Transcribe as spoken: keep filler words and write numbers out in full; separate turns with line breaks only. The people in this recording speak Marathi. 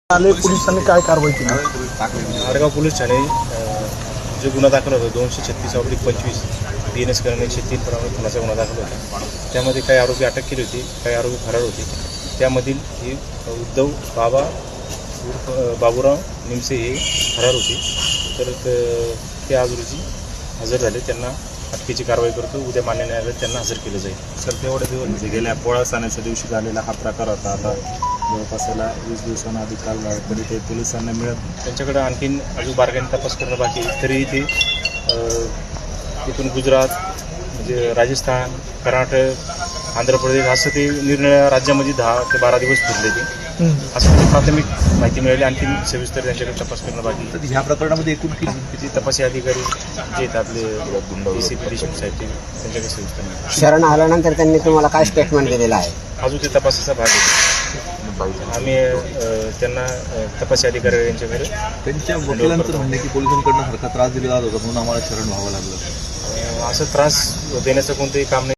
आले पोलिसांनी काय कारवाई केली?
आडगाव पोलीस ठाणे जो गुन्हा दाखल होता दोनशे छत्तीस ऑब्लिक पंचवीस डी एन एस करून एकशे तीन प्रमाणे खुनाचा गुन्हा दाखल होता. त्यामध्ये काही आरोपी अटक केली होती, काही आरोपी फरार होते. त्यामधील हे उद्धव बाबा उर्फ बाबूराव निमसे हे फरार होते. तर ते आज रोजी हजर झाले. त्यांना अटकेची कारवाई करतो. उद्या मान्य न्यायालयात त्यांना हजर केलं जाईल.
सर तेवढे दिवस म्हणजे गेल्या पोळा सणाच्या दिवशी झालेला हा प्रकार होता. आता जवळपास याला वीस दिवसांना आधी काल तरी ते पोलिसांना मिळत
त्यांच्याकडे आणखीन अजून बारकाईने तपास करणं बाकी. तरी ते तिथून गुजरात म्हणजे राजस्थान, कर्नाटक, आंध्र प्रदेश असं ते निरनिराळ्या राज्यामध्ये दहा ते बारा दिवस फिरले ते. असं प्राथमिक माहिती मिळाली. आणखीन सविस्तर त्यांच्याकडे तपास करणं बाकी.
तर ह्या प्रकरणामध्ये एकूण
किती तपासी अधिकारी जे आहेत आपले डी सी पी देशमुख साहेब ते त्यांच्याकडे सविस्तर मिळाले.
शरण आल्यानंतर त्यांनी तुम्हाला काय स्टेटमेंट दिलेलं आहे?
अजून ते तपासाचा भाग आहे. आम्ही त्यांना तपासी अधिकारी यांच्याकडे
त्यांच्या वकिलांचं म्हणणे की पोलिसांकडनं सारखा त्रास दिला जात होता म्हणून आम्हाला शरण व्हावं लागलं.
असं त्रास देण्याचं कोणतंही काम नाही.